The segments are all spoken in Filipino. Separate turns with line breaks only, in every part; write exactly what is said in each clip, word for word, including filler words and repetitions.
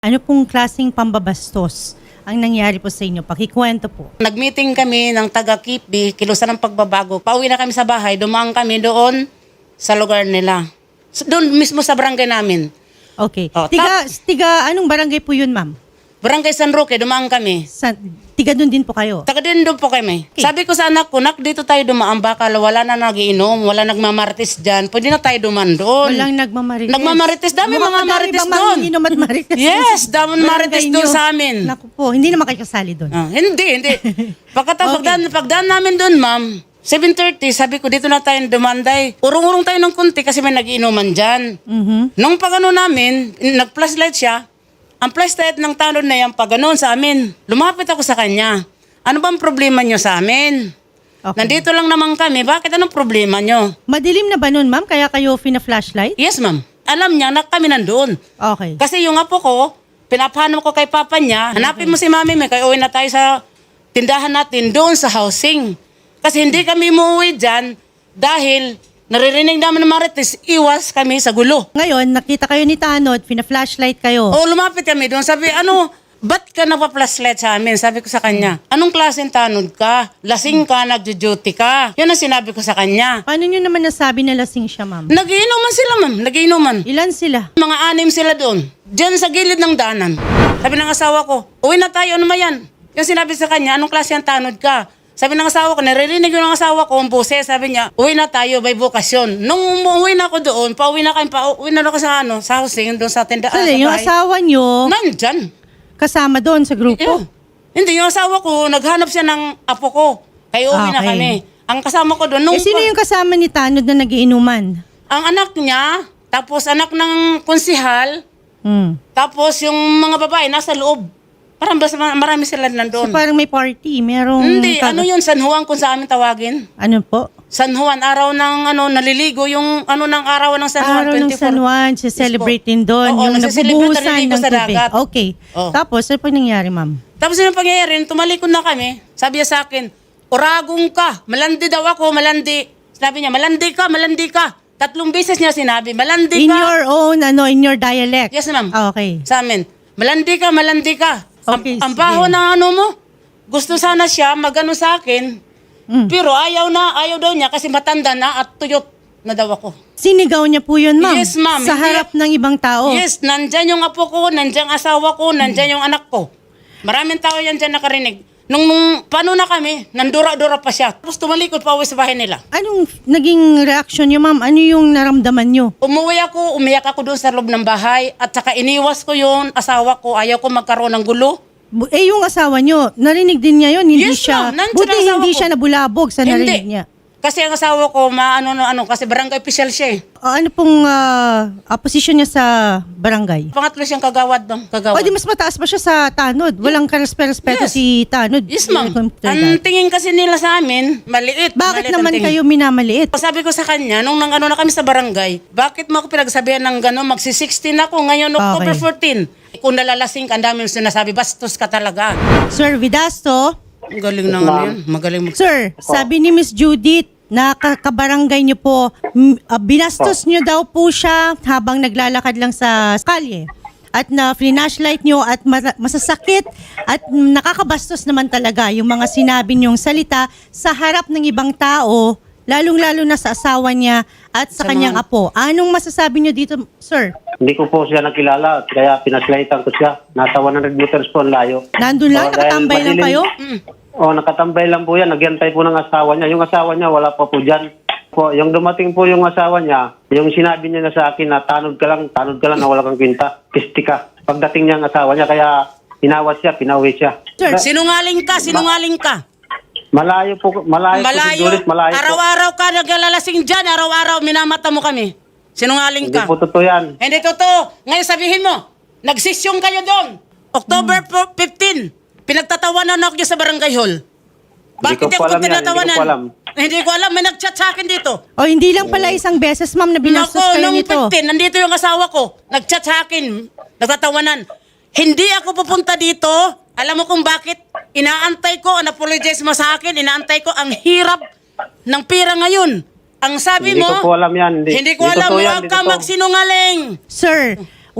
Ano pong klaseng pambabastos ang nangyari po sa inyo? Pakikwento po.
Nag-meeting kami ng taga-Kipi, Kilusan ng Pagbabago. Pauwi na kami sa bahay, dumaan kami doon sa lugar nila. So, doon mismo sa barangay namin.
Okay.
Oh,
tiga, tiga, anong barangay po yun, ma'am?
Barangay San Roque, dumaan kami.
Sa, tiga doon din po kayo?
Taga din doon po kami.
Okay.
Sabi ko sa anak ko, nak, dito tayo dumaan. Baka wala na nagiinom, wala nagmamartis dyan. Pwede na tayo dumaan doon.
Walang nagmamarites.
Nagmamarites, dami
Mukhang
mga
madami
marites
bang
doon.
manginginom at marites?
Yes, dami
Barangay
marites doon
nyo.
sa amin.
Naku po, hindi naman kayo kasali doon.
Ah, hindi, hindi. Pagkatapos
Okay.
pagdaan, pagdaan namin doon, ma'am, seven thirty, sabi ko, dito na tayo dumanday. Urong-urong tayo ng kunti kasi may nagiinuman dyan.
Mhm.
Nung pag ano namin, nag-flashlight siya, ang flashlight ng tanod na yan, pag ganun sa amin, lumapit ako sa kanya. Ano bang problema nyo sa amin?
Okay.
Nandito lang naman kami, bakit anong problema nyo?
Madilim na ba nun, ma'am? Kaya kayo fina-flashlight?
Yes, ma'am. Alam niya na kami nandun.
Okay.
Kasi yung apo ko, pinapahanap ko kay papa niya, hanapin mo si mami mo, kaya uwi na tayo sa tindahan natin doon sa housing. Kasi hindi kami umuwi dyan dahil naririnig namin ng marites, iwas kami sa gulo.
Ngayon, nakita kayo ni Tanod, fina-flashlight kayo.
O lumapit kami doon, sabi, ano, ba't ka nagpa-flashlight sa amin? Sabi ko sa kanya, anong klaseng tanod ka? Lasing ka, nagjo-duty ka. Yan ang sinabi ko sa kanya.
Paano nyo naman nasabi na lasing siya, ma'am?
Nagiinuman sila, ma'am. Nagiinuman.
Ilan sila?
Mga anim sila doon. Diyan sa gilid ng daanan. Sabi ng asawa ko, uwi na tayo, ano mayan? Yung sinabi sa kanya, anong klase ang tanod ka? Sabi ng asawa ko, naririnig yung ng asawa ko, ang boses, sabi niya, uwi na tayo, may bukasyon. Nung umuwi na ako doon, pauwi na kami, pauwi na ako sa, ano, sa housing, doon sa tindahan.
Sali, yung asawa nyo,
Nandyan.
kasama doon sa grupo.
Yeah. Hindi, yung asawa ko, naghanap siya ng apo ko. Kaya uwi na
Okay.
kami. Ang kasama ko doon, nung
Eh, sino yung kasama ni Tanod na nagiinuman?
ang anak niya, tapos anak ng konsihal,
Hmm.
tapos yung mga babae nasa loob. Parang basta marami sila
So,
nandun.
parang may party, merong...
Hindi,
kag-
ano yun, San Juan kung sa amin tawagin.
Ano po?
San Juan, araw ng ano, naliligo, yung ano ng araw ng San Juan,
Araw ng
twenty-four.
San Juan, celebrate din doon.
Oo,
yung
nagse-celebrate,
nagbubuhusan
naliligo
ng
sa
tubig.
dagat.
Okay.
Oh.
Tapos, ano po nangyari, ma'am?
Tapos yung pangyayari, tumalikod na kami, sabi niya sa akin, oragong ka, malandi daw ako, malandi. Sabi niya, malandi ka, malandi ka. Tatlong beses niya sinabi, malandi
In
ka.
your own, ano, in your dialect?
Yes, ma'am.
Ah, okay.
Sa amin, malandi ka, malandi ka.
Okay,
ang, ang baho
sige.
ng ano mo, gusto sana siya magano sa akin,
Mm.
pero ayaw na, ayaw daw niya kasi matanda na at tuyot na daw ako.
Sinigaw niya po yun, ma'am?
Yes, ma'am.
Sa
Hindi-
harap ng ibang tao?
Yes, nandyan yung apo ko, nandyan ang asawa ko, nandyan yung anak ko. Maraming tao yan dyan nakarinig. Nung, nung paano na kami, nandura-dura pa siya. Tapos tumalikod pa uwi sa bahay nila.
Anong naging reaction niyo, ma'am? Ano yung naramdaman niyo?
Umuwi ako, umiyak ako doon sa loob ng bahay at saka iniwas ko yung asawa ko. Ayaw ko magkaroon ng gulo.
Bu- Eh, yung asawa niyo, narinig din niya yun. Hindi
Yes,
siya,
ma'am. Nandiyan
buti
ang asawa
hindi
ko.
siya nabulabog sa narinig niya.
Kasi ang asawa ko, maano no ano, kasi barangay official siya eh.
Ah, ano pong ah, ah, posisyon niya sa barangay?
Pangatlo siyang kagawad doon,
O,
kagawad.
di mas mataas pa siya sa Tanod. Walang karespe-respeto
Yes.
si Tanod.
Yes, ma'am.
Computer
Ang
dad.
tingin kasi nila sa amin, maliit.
Bakit
maliit ang
naman
tingin.
kayo minamaliit?
Sabi ko sa kanya, nung nang ano na kami sa barangay, bakit mo ako pinagsabihan ng gano'n? Magsi-sixteen ako ngayon, October
Okay.
fourteen. Kung nalalasing ka, ang dami yung sinasabi, bastos ka talaga.
Sir Vidasto,
Ang galing na ano yun, magaling mag...
sir, sabi ni Miss Judith, na ka- kabarangay niyo po, m- ah, binastos niyo daw po siya habang naglalakad lang sa kalye. At na flashlight niyo at ma- masasakit at nakakabastos naman talaga yung mga sinabi niyong salita sa harap ng ibang tao, lalong-lalo na sa asawa niya at sa,
Sa
kanyang
mga-
apo. Anong masasabi niyo dito, sir?
Hindi ko po siya nakilala, kaya pinaslightan ko siya. Nasa one hundred meters po ang layo.
Nandun lang,
Oh, dahil
nakatambay lang
madilim-
kayo?
Oh, nakatambay lang po yan. Nagyantay po ng asawa niya. Yung asawa niya, wala pa po dyan. Po, yung dumating po yung asawa niya, yung sinabi niya na sa akin na tanod ka lang, tanod ka lang na wala kang kwinta. Pisti ka. Pagdating niya ang asawa niya, kaya pinawat siya, pinauwi siya.
Sir,
Sinungaling ka, sinungaling ka.
Malayo po, malayo, po si
Malayo,
Juliet, malayo po.
araw-araw ka naglalasing dyan, araw-araw minamata mo kami. Sinungaling
Hindi
ka.
po totoo yan.
Hindi totoo. Ngayon sabihin mo, nagsisyong kayo doon. October fifteen, pinagtatawanan ako dyan sa barangay hall. Bakit
Hindi ko po
ako
alam yan,
tinatawanan?
hindi ko po alam.
Hindi ko alam, may nag-chat sa akin dito.
o hindi lang pala isang beses, ma'am, na binastos
Nako,
kayo
nung
nito.
fifteen, nandito yung asawa ko. Nag-chat sa akin, nagtatawanan. Hindi ako pupunta dito. Alam mo kung bakit? Inaantay ko, an-apologize mo sa akin, inaantay ko ang hirap ng pira ngayon. Ang sabi
Hindi
mo,
ko po alam yan. Hindi-
hindi ko
hindi
alam,
totoo yan,
huwag
hindi
ka
totoo.
magsinungaling.
Sir,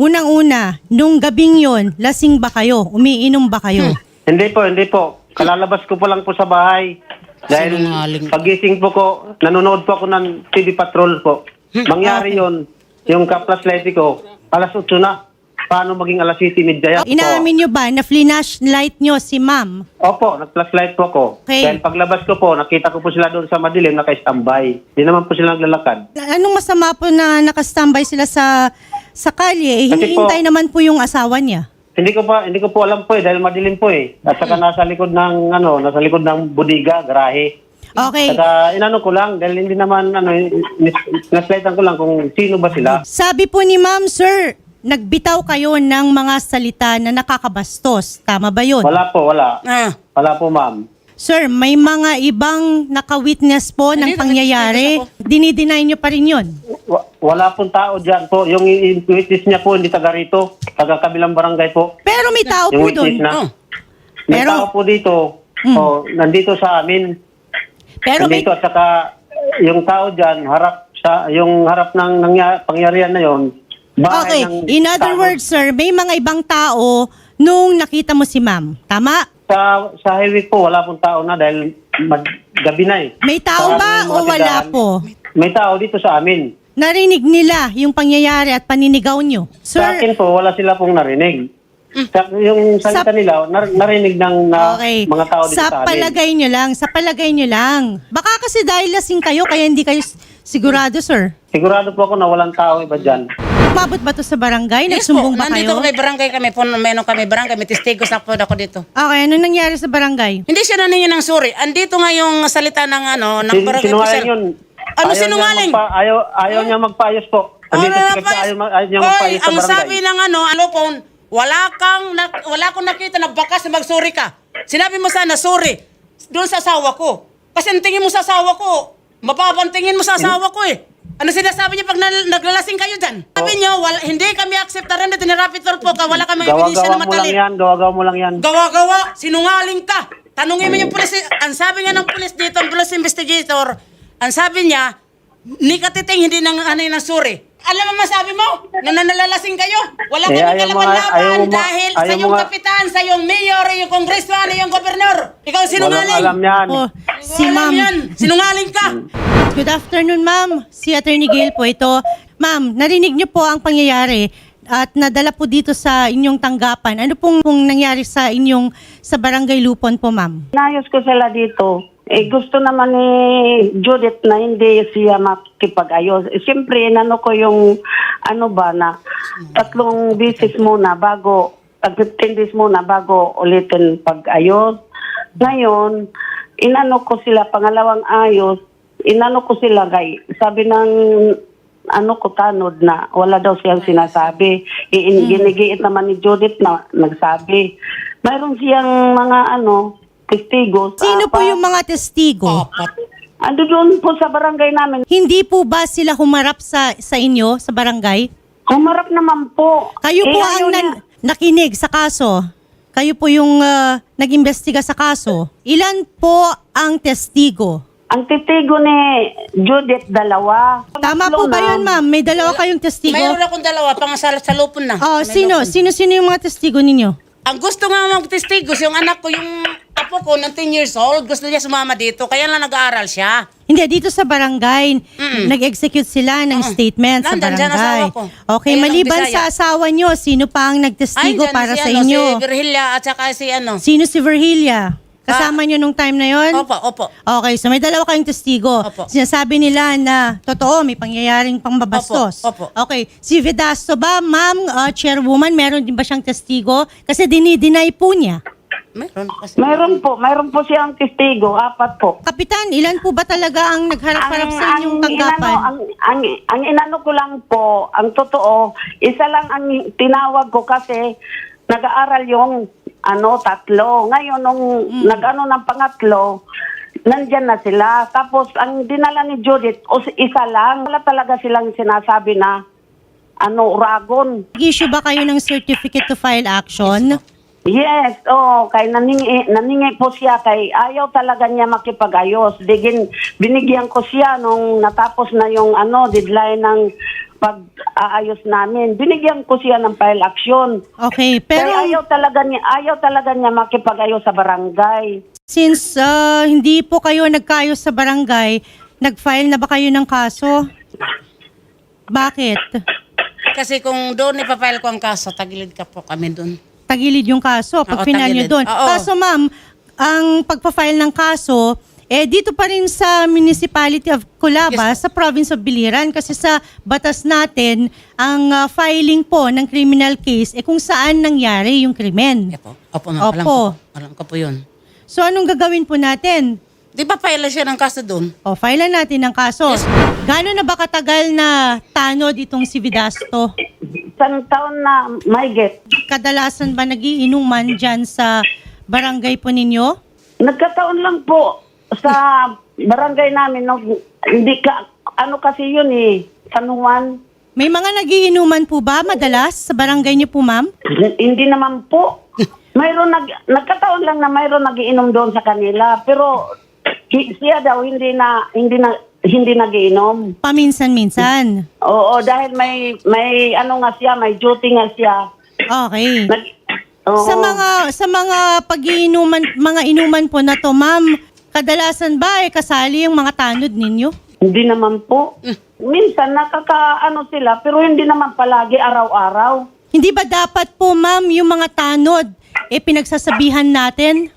unang-una, nung gabing yon, lasing ba kayo? Umiinom ba kayo?
Hindi po, hindi po. Kalalabas ko po lang po sa bahay. Dahil
Sinungaling.
pagising po ko, nanonood po ako ng T V Patrol po. Mangyari yon, yung ka-flashlight ko, alas otso na. Paano maging alas siyete media?
Inaamin nyo ba na flashlight nyo si ma'am?
Opo, nag-flashlight po ako.
Okay.
Dahil paglabas ko po, nakita ko po sila doon sa madilim, naka-standby. Hindi naman po sila naglalakad.
Anong masama po na nakastambay sila sa sa kalye? Eh,
Kasi
hinihintay
po-
naman po yung asawa niya.
Hindi ko pa hindi ko po alam po eh dahil madilim po eh. At saka nasa likod ng ano, nasa likod ng bodega, garahe.
Okay.
Saka inano ko lang dahil hindi naman ano naslightan ko lang kung sino ba sila.
Sabi po ni ma'am, sir, nagbitaw kayo ng mga salita na nakakabastos. Tama ba yun?
Wala po, wala.
Ah,
Wala po, ma'am.
Sir, may mga ibang naka-witness po ng
Hindi,
pangyayari.
nag-witness
Dinideny nyo pa rin yun.
Wa- Wala pong tao diyan po. Yung i- witness niya po hindi taga rito, taga kabilang barangay po.
Pero may tao
Yung
po doon.
witness na.
Oh.
May
Pero-
tao po dito. Oh, nandito sa amin.
Pero may,
nandito at saka yung tao diyan harap sa yung harap ng nangya, pangyarihan na yon.
okay, in other words, sir, may mga ibang tao nung nakita mo si ma'am. Tama?
Sa sa highway po, wala pong tao na dahil mag, gabi na eh.
May tao
Sa
ba
aming
o
mga
wala
tindahan,
po?
May tao dito sa amin.
Narinig nila yung pangyayari at paninigaw nyo.
Sa
Sir,
akin po, wala sila pong narinig. Sa, yung salita
Sa-
nila, nar- narinig ng na,
okay.
mga tao dito sa,
Sa
amin.
palagay nyo lang, sa palagay nyo lang. Baka kasi dahil lasing kayo, kaya hindi kayo s- sigurado, sir.
Sigurado po ako na walang tao iba dyan.
Umabot ba to sa barangay?
Yes
Nagsumbong
po,
ba
nandito
kayo?
kami barangay kami, po, meron kami barangay, may testigos na po ako dito.
Okay, ano nangyari sa barangay?
Hindi siya naningi ng sorry. Andito nga yung salita ng ano, ng
Sin-
barangay
sinungaling
officer.
yun.
Ano
Ayaw
sinungaling?
Niya magpa, ayaw ayaw niya magpaayos po. Andito
Ano
si
na
Keksa,
pa-
ayaw, ma- ayaw niya
Oy,
magpaayos sa
ang
barangay.
sabi ng ano, alopon, wala kang, na, wala akong nakita na bakas na mag-sorry ka. Sinabi mo sana, sorry, doon sa asawa ko. Kasi ang tingin mo sa asawa ko, mababang tingin mo sa asawa ko eh. Ano sinasabi niya pag nal- naglalasing kayo dyan? Sabi niyo, wala, hindi kami acceptaran na tinirapitor po ka, wala kami ebidensya
Gawa-gawa
na
mo lang
matali.
yan, gawa-gawa mo lang yan.
Gawa-gawa, sinungaling ka. Tanungin mo yung pulis, ang sabi nga ng pulis dito, ang police investigator, ang sabi niya, ni Katiting hindi nang ano yung sorry. Alam mo masabi mo? Na nanalalasing kayo? Wala
Eh,
kami
ayaw mo nga- ayaw
kalaban-laban
mo ma-
dahil sa
ayaw mo
yung
nga-
kapitan, sa yung mayor, yung congressman, yung gobernador. Ikaw sinungaling.
Walang alam yan.
Oh, si
Alam
ma'am.
yan. Sinungaling ka.
Good afternoon, ma'am. Si Attorney Gail po ito. Ma'am, narinig niyo po ang pangyayari at nadala po dito sa inyong tanggapan. Ano pong, pong nangyari sa inyong sa Barangay Lupon po, ma'am?
Inayos ko sila dito. Eh, gusto naman ni Judith na hindi siya makipag-ayos. Eh, siyempre, inano ko yung, ano ba, na tatlong bisis muna bago, tag fifteen days muna bago ulitin pag-ayos. Ngayon, inano ko sila, pangalawang ayos, inano ko sila kay, sabi ng, ano ko, tanod na wala daw siyang sinasabi. I- Ginigiit naman ni Judith na nagsabi. Mayroon siyang mga, ano, testigos.
Sino po
apat.
yung mga testigo?
Apat.
Ando doon po sa barangay namin.
Hindi po ba sila humarap sa sa inyo sa barangay?
Humarap naman po.
Kayo po
Eh,
ang
ayaw niya.
nan- nakinig sa kaso. Kayo po yung ah, nag-imbestiga sa kaso. Ilan po ang testigo?
Ang titigo ni Judith, dalawa.
Tama
Tatlo
po ba
na.
yun, ma'am? May dalawa kayong testigo?
Mayroon akong dalawa, pang sa, sa lupon na.
Oh,
May
sino?
lupon.
Sino-sino yung mga testigo ninyo?
Ang gusto nga mag-testigos, yung anak ko, yung apo ko, ng ten years old, gusto niya sumama dito, kaya lang nag-aaral siya.
Hindi, dito sa barangay, nag-execute sila ng statement sa
Nandyan dyan
barangay.
asawa ko.
Okay,
Ayun ang
maliban
Bisaya.
sa asawa nyo, sino pa ang nagtestigo
dyan
para
si,
sa
ano,
inyo?
Si Virgilia at saka si ano.
Sino si Virgilia? Kasama nyo nung time na yon?
Opo, opo.
Okay, so may dalawa kayong testigo.
Opo.
Sinasabi nila na totoo, may pangyayaring pangbabastos.
Opo, opo.
Okay, si Vedasto ba, ma'am, uh, chairwoman, meron din ba siyang testigo? Kasi dinideny po niya.
Meron kasi.
Mayroon po. Mayroon po siyang testigo. Apat po.
Kapitan, ilan po ba talaga ang nagharap-harap sa inyong tanggapan?
Inano, ang, ang, ang inano ko lang po, ang totoo, isa lang ang tinawag ko kasi nag-aaral yung ano, tatlo. Ngayon, nung
Mm.
nag-ano ng pangatlo, nandyan na sila. Tapos, ang dinala ni Judith, o, isa lang. Wala talaga silang sinasabi na ano, uragon.
Issue ba kayo ng certificate to file action?
Yes, oh, kay naningi, naningi po siya kay ayaw talaga niya makipag-ayos. Digin, binigyan ko siya nung natapos na yung ano, deadline ng pag-aayos namin. Binigyan ko siya ng file action.
Okay,
Pero
pero
ayaw talaga niya, ayaw talaga niya makipag-ayos sa barangay.
since ah, hindi po kayo nagkaayos sa barangay, nag-file na ba kayo ng kaso? Bakit?
Kasi kung doon ipapile ko ang kaso, tagilid ka po kami doon.
Tagilid yung kaso pag
Oo,
final nyo
tagilid.
doon.
Oo.
Kaso ma'am, ang pagpa-file ng kaso, eh dito pa rin sa Municipality of Colaba, sa Province of Biliran, kasi sa batas natin, ang ah, filing po ng criminal case, eh kung saan nangyari yung krimen.
Yeah, po. Opo, ma'am. Alam
Opo.
ko po. Alam ko po yun.
So anong gagawin po natin?
Di ba file siya ng kaso doon?
O, file natin ng kaso.
Yes.
Gano'n na ba katagal na tanod itong si Vidasto?
Isang taon na may get.
Kadalasan ba nagiinuman dyan sa barangay po ninyo?
Nagkataon lang po sa barangay namin. No, hindi ka, ano kasi yun eh, San Juan.
May mga nagiinuman po ba madalas sa barangay niyo po, ma'am?
Hindi naman po. Mayroon nag, nagkataon lang na mayroon nagiinom doon sa kanila. Pero hi- siya daw hindi na, hindi na, hindi nagiinom.
Paminsan-minsan.
Oo, dahil may, may ano nga siya, may duty nga siya.
Okay.
Nag, oo.
Sa mga sa mga pagiinuman, mga inuman po na to, ma'am, kadalasan ba eh kasali yung mga tanod ninyo?
Hindi naman po. Minsan nakakaano sila, pero hindi naman palagi araw-araw.
Hindi ba dapat po, ma'am, yung mga tanod eh pinagsasabihan natin?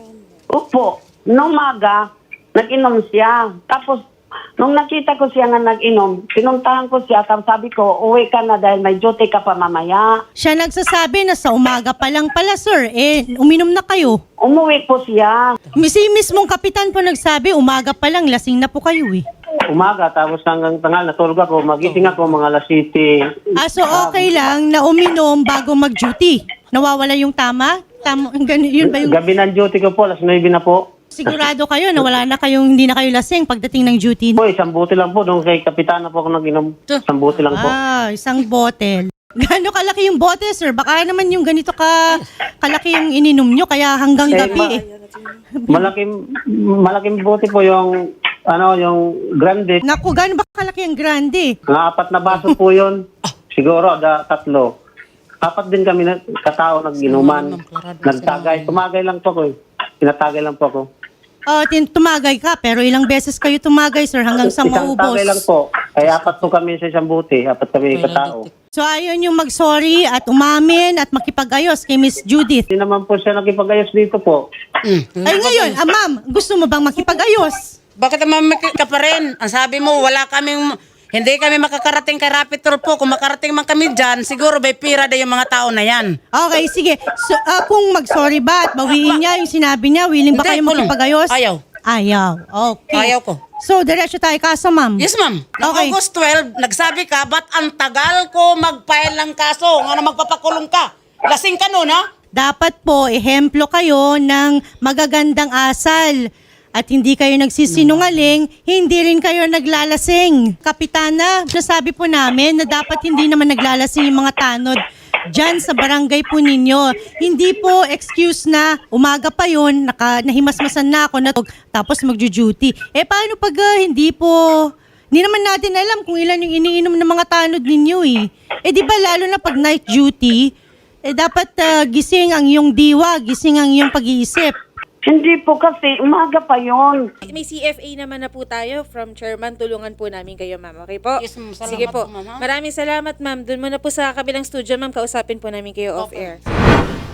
Opo, nung maga, nag-inom siya. Tapos, nung nakita ko siya nga nag-inom, pinuntahan ko siya, tapos sabi ko, uwi ka na dahil may duty ka pa mamaya.
Siya nagsasabi na sa umaga pa lang pala, sir, eh uminom na kayo.
Umuwi po siya.
Si mismong kapitan po nagsabi, umaga pa lang, lasing na po kayo eh.
Umaga, tapos hanggang tangal, natulog ako, magising ako mga alas siyete.
Ah, so okay lang na uminom bago mag-duty. Nawawala yung tama? Tama, ganun, yun ba yung...
Gabi ng duty ko po, alas nuwebe na po.
Sigurado kayo na wala na kayong, hindi na kayo lasing pagdating ng duty.
Po, isang buti lang po, nung kay kapitana po ako nag-inom. Isang buti lang po.
Ah, isang botel. Gano'n kalaki yung bote, sir? Baka naman yung ganito ka kalaki yung ininom nyo, kaya hanggang
Eh,
gabi
ma-
eh.
Malaking, malaking buti po yung, ano, yung grande.
Naku, gano'n ba kalaki yung grande?
Mga apat na baso po yun. Siguro, da, tatlo. Apat din kami na katao nag-inuman. Nagtagay. Tumagay lang po ko eh. Tinatagay lang po ako.
Oh, tin- tumagay ka, pero ilang beses kayo tumagay, sir, hanggang sa
Isang
maubos.
tagay lang po. Kaya apat po kami sa isang buti. Apat kami katao.
So, ayun yung mag-sorry at umamin at makipag-ayos kay Miss Judith.
Hindi naman po siya nakipag-ayos dito po.
Mm.
Ay, ngayon, ah, ma'am, gusto mo bang makipag-ayos?
Bakit naman ka pa rin? Ang sabi mo, wala kaming, hindi kami makakarating kay Rapid Tour po. Kung makarating man kami dyan, siguro may pira na yung mga tao na yan.
Okay, sige. So, ah, kung mag-sorry ba at bawiin niya yung sinabi niya, willing ba
Hindi,
kayo
kulong.
makipag-ayos?
Ayaw.
Ayaw. Okay.
Ayaw ko.
So, diretso tayo kaso, ma'am.
Yes, ma'am. Noong
Okay.
August twelve, nagsabi ka, ba't ang tagal ko mag-file ng kaso? Nga na magpapakulong ka? Lasing ka nun, ha?
Dapat po, ehemplo kayo ng magagandang asal. At hindi kayo nagsisinungaling, hindi rin kayo naglalasing. Kapitana, nasabi po namin na dapat hindi naman naglalasing yung mga tanod dyan sa barangay po ninyo. Hindi po excuse na umaga pa yun, naka, nahimasmasan na ako, natog, tapos magjo-duty. Eh paano pag ah, hindi po, hindi naman natin alam kung ilan yung iniinom ng mga tanod ninyo eh. Eh di ba lalo na pag night duty, eh dapat ah, gising ang iyong diwa, gising ang iyong pag-iisip.
Hindi po kasi, umaga pa yon.
May C F A naman na po tayo from Chairman. Tulungan po namin kayo, ma'am. Okay po?
Yes, ma'am. Salamat
Sige po.
po, ma'am, ha?
Maraming salamat, ma'am. Doon muna po sa kabilang studio, ma'am. Kausapin po namin kayo off-air.